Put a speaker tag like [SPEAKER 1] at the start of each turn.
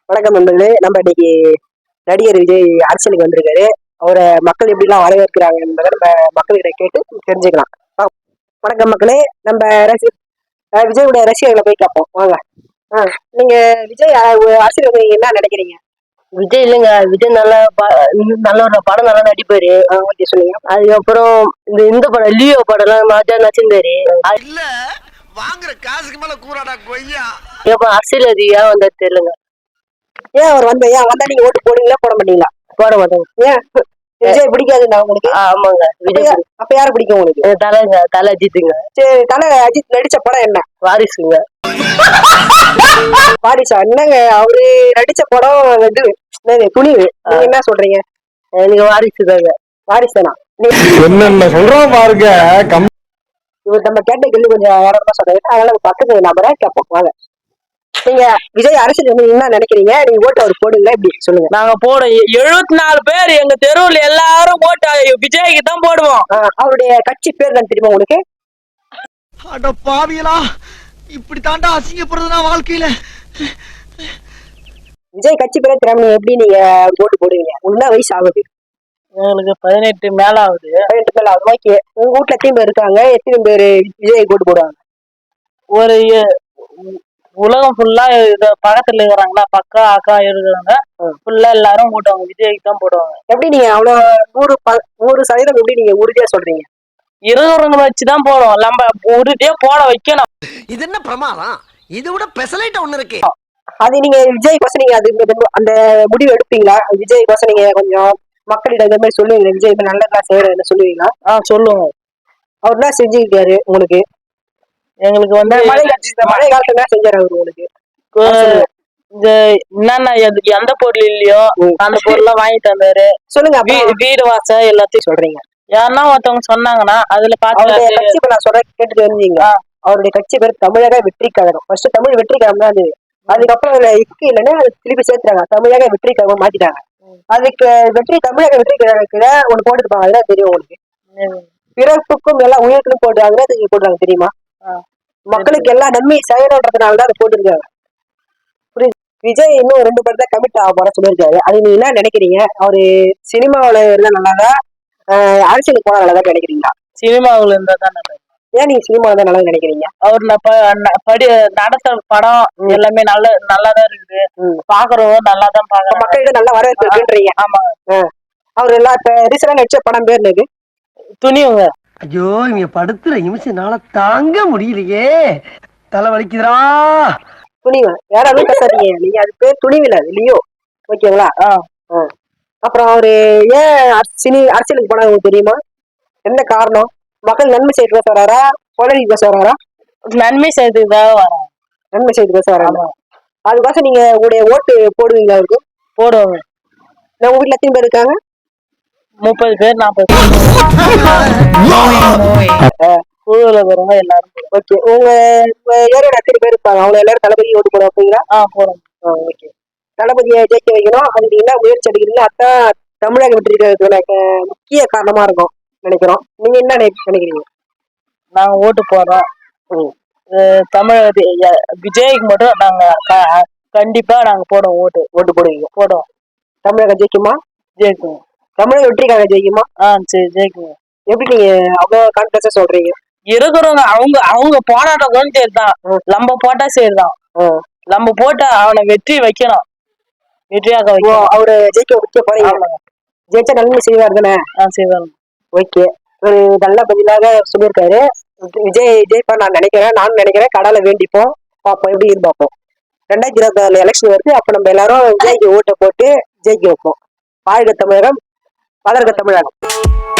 [SPEAKER 1] வணக்கம் நண்பர்களே. நம்ம இன்னைக்கு நடிகர் விஜய் அரசியலுக்கு வந்திருக்காரு. அவரை மக்கள் எப்படி எல்லாம் வரவேற்கிறாங்க என்பதை நம்ம மக்கள்கிட்ட கேட்டு தெரிஞ்சுக்கலாம். வணக்கம் மக்களே. நம்ம விஜயோட ரசிகர்களை போய் கேட்போம் வாங்க. நீங்க விஜய் அரசியல் என்ன நினைக்கிறீங்க?
[SPEAKER 2] விஜய் இல்லைங்க, விஜய் நல்ல ஒரு படம் நல்லா நடிப்பாரு.
[SPEAKER 1] சொல்லுங்க.
[SPEAKER 2] அதுக்கப்புறம் இந்த படம் லியோ படம் எல்லாம் மாஜா நச்சிருந்தாரு.
[SPEAKER 3] இல்ல வாங்குற காசுக்கு மேல கூறாடா கொய்யா.
[SPEAKER 2] அரசியல்வாதியா வந்தா தெரியலங்க.
[SPEAKER 1] ஏன் அவர் வந்தா நீங்க ஓட்டு போடுவீங்களா போட மாட்டீங்களா?
[SPEAKER 2] போட மாட்டேங்க.
[SPEAKER 1] ஏன் விஜய் பிடிக்காதுண்ணா உங்களுக்கு?
[SPEAKER 2] ஆமாங்க. விஜய்
[SPEAKER 1] அப்ப யாரு பிடிக்கும் உங்களுக்கு?
[SPEAKER 2] தலை அஜித்துங்க.
[SPEAKER 1] சரி, தலை அஜித் நடிச்ச படம் என்ன?
[SPEAKER 2] வாரிசுங்க.
[SPEAKER 1] வாரிசா? என்னங்க அவரு நடிச்ச படம் இது துணிவு. நீங்க என்ன சொல்றீங்க?
[SPEAKER 2] எனக்கு வாரிசு தாங்க.
[SPEAKER 1] வாரிசுனா
[SPEAKER 4] என்னென்ன சொல்றோம் பாருங்க.
[SPEAKER 1] இவர் நம்ம கேட்ட கேள்வி கொஞ்சம் வேறமா சொல்றாரு. அதனால பக்கத்து நம்பரை கேட்போம் வாங்க. நீங்க விஜய் அரசியல் என்ன நினைக்கிறீங்க? நீங்க ஓட்டு அவர் போடுங்களா எப்படி சொல்லுங்க.
[SPEAKER 2] நாங்க போடுவோம். 74 பேர் எங்க தெருவுல எல்லாரும் ஓட்டு விஜய்க்கு தான் போடுவோம்.
[SPEAKER 1] அவருடைய கட்சி பேர் தான் தெரியுமா உங்களுக்கு?
[SPEAKER 3] அட பாவியலா, இப்படி தாண்டா அசிங்கப்படுறதுனா வாழ்க்கையில.
[SPEAKER 1] விஜய் கட்சி பேரை தெரியாம எப்படி நீங்க ஓட்டு போடுவீங்க? உங்க வயசு ஆகுது?
[SPEAKER 2] எங்களுக்கு 18 மேல ஆகுது.
[SPEAKER 1] 18 மேல ஆகுது. ஓகே. உங்க வீட்டுல எத்தனை பேர் இருக்காங்க? எத்தனை பேர் விஜய் ஓட்டு போடுவாங்க? ஒரு
[SPEAKER 2] உலகம் ஃபுல்லா பக்கத்துல இருக்கிறாங்களா, பக்கா அக்கா இருக்கிறாங்க, ஃபுல்லா எல்லாரும் போடுவாங்க. விஜய்க்கு தான் போடுவாங்க.
[SPEAKER 1] எப்படி நீங்க அவ்வளவு 100% எப்படி நீங்க உறுதியா சொல்றீங்க?
[SPEAKER 2] இருவருங்க வச்சுதான் போடுவோம். நம்ம உறுதியா போட வைக்கணும்.
[SPEAKER 3] இது என்ன பிரமாதம்? இதை விட பெசலைட்ட ஒண்ணு இருக்கு.
[SPEAKER 1] அது நீங்க விஜய் கோசம் நீங்க அந்த முடிவு எடுப்பீங்களா? விஜய் கோசம் நீங்க கொஞ்சம் மக்களிடம் இந்த மாதிரி சொல்லுவீங்க, விஜய் நல்லதா செய்யறதுன்னு சொல்லுவீங்களா?
[SPEAKER 2] சொல்லுவோம். அவர்
[SPEAKER 1] தான் செஞ்சுக்கிட்டாரு உங்களுக்கு?
[SPEAKER 2] எங்களுக்கு
[SPEAKER 1] மழை காலத்துல என்ன செஞ்சாரு அவரு உங்களுக்கு?
[SPEAKER 2] இந்த என்னன்னா எந்த பொருள் இல்லையோ அந்த பொருள் வாங்கி தந்தாரு.
[SPEAKER 1] சொல்லுங்க.
[SPEAKER 2] வீடு வாசல் எல்லாத்தையும்
[SPEAKER 1] சொல்றீங்க.
[SPEAKER 2] யாருன்னா ஒருத்தவங்க சொன்னாங்கன்னா அதுல
[SPEAKER 1] பார்த்து நான் சொல்ற கேட்டு தெரிஞ்சீங்க. அவருடைய கட்சி பேர் தமிழக வெற்றி கழகம். ஃபர்ஸ்ட் தமிழ் வெற்றி கழகம் தான் அது. அதுக்கப்புறம் அதுல இருக்கு இல்லைன்னா அது திருப்பி சேர்த்துறாங்க, தமிழக வெற்றி கழகம் மாத்திட்டாங்க. அதுக்கு தமிழக வெற்றி கழகத்துல ஒண்ணு போட்டுருப்பாங்க. அதுதான் தெரியும் உங்களுக்கு. பிறப்புக்கும் எல்லாம் உயிர்களும் போடுறாங்க. அது போடுறாங்க தெரியுமா? மக்களுக்கு எல்லா நன்மை செய்யறதுனாலதான் அதை போட்டுருக்காங்க. விஜய் இன்னும் 2 படத்தை கமிட் ஆக போற சொல்லியிருக்காரு. அது நீங்க என்ன நினைக்கிறீங்க? அவரு சினிமாவில இருந்தா நல்லாதா அரசியலுக்கு போனா நல்லதா நினைக்கிறீங்களா?
[SPEAKER 2] சினிமாவுல இருந்தா தான் நல்லது.
[SPEAKER 1] ஏன் நீங்க சினிமாவில தான் நல்லது நினைக்கிறீங்க?
[SPEAKER 2] அவர் நடத்த படம் எல்லாமே நல்லாதான் இருக்குது. பாக்குறவங்க நல்லாதான் பாக்குறோம்.
[SPEAKER 1] மக்கள்கிட்ட நல்லா வரவேற்பு இருக்குன்றீங்க.
[SPEAKER 2] ஆமா.
[SPEAKER 1] அவரு எல்லாம் இப்ப ரீசெண்டா நடிச்ச படம் பேர் என்னது?
[SPEAKER 2] துணிவுங்க.
[SPEAKER 3] ஐயோ, இங்க படுத்துற நிமிஷம்னால தாங்க முடியலையே, தலை வலிக்குதுரா.
[SPEAKER 1] துணிவு. யாராலும் பேசாதீங்க. நீங்க அது பேர் துணிவில இல்லையோ? ஓகேங்களா? அப்புறம் அவரு ஏன் அரசியலுக்கு போனா உங்களுக்கு தெரியுமா? என்ன காரணம்? மக்கள் நன்மை செய்து பேச வராரா, கொலை பேச வராரா?
[SPEAKER 2] நன்மை செய்யறதுக்காக வரோம்.
[SPEAKER 1] நன்மை செய்து பேச வராங்க. அதுக்காக நீங்க உங்களுடைய ஓட்டு போடுவீங்களா அவருக்கு?
[SPEAKER 2] போடுவாங்க.
[SPEAKER 1] உங்க வீட்டுல எத்தனை பேர் இருக்காங்க?
[SPEAKER 2] 30 பேர் 40 குழுல வருவாங்க எல்லாரும்.
[SPEAKER 1] ஓகே. உங்க ஏரியோட எத்தனை பேர் இருப்பாங்க? அவங்க எல்லாரும் தளபதி ஓட்டு போட வைப்பீங்களா?
[SPEAKER 2] போறோம்.
[SPEAKER 1] ஓகே. தளபதியை ஜெயிக்க வைக்கணும். அதுக்கு என்ன முயற்சி எடுக்கிறீங்க? அதான் தமிழக வெற்றிக்கு முக்கிய காரணமா இருக்கும் நினைக்கிறோம். நீங்க என்ன நினைக்கிறீங்க?
[SPEAKER 2] நாங்க ஓட்டு போடுறோம். விஜய்க்கு மட்டும் நாங்க கண்டிப்பா நாங்க போடுவோம். ஓட்டு போடுவீங்க? போடுவோம்.
[SPEAKER 1] தமிழக ஜெயிக்குமா?
[SPEAKER 2] ஜெயிக்கும்.
[SPEAKER 1] தமிழக வெற்றிக்காக ஜெயிக்குமா?
[SPEAKER 2] சரி, ஜெயிக்குங்க.
[SPEAKER 1] எப்படி நீங்க அவ்வளவு கான்பிடன்ஸா சொல்றீங்க?
[SPEAKER 2] இருக்கிறவங்க அவங்க போராட்டம் சரிதான், நம்ம போட்டா சரிதான். நம்ம போட்டா அவனை வெற்றி வைக்கணும். வெற்றியாக வைக்கணும்.
[SPEAKER 1] அவரு ஜெயிக்க வைக்க போறீங்க. ஜெயிச்சா நன்மை செய்வார் தானே? செய்வாங்க. ஓகே. ஒரு நல்ல பதிலாக சொல்லியிருக்காரு. விஜய் ஜெயிப்பா நானும் நினைக்கிறேன். கடலை வேண்டிப்போம், பார்ப்போம் எப்படி பார்ப்போம். 2026 எலெக்ஷன் வருது. அப்ப நம்ம எல்லாரும் விஜய்க்கு ஓட்டை போட்டு ஜெயிக்க வைப்போம். வாழ்க தமிழகம், வளர்க தமிழகம்.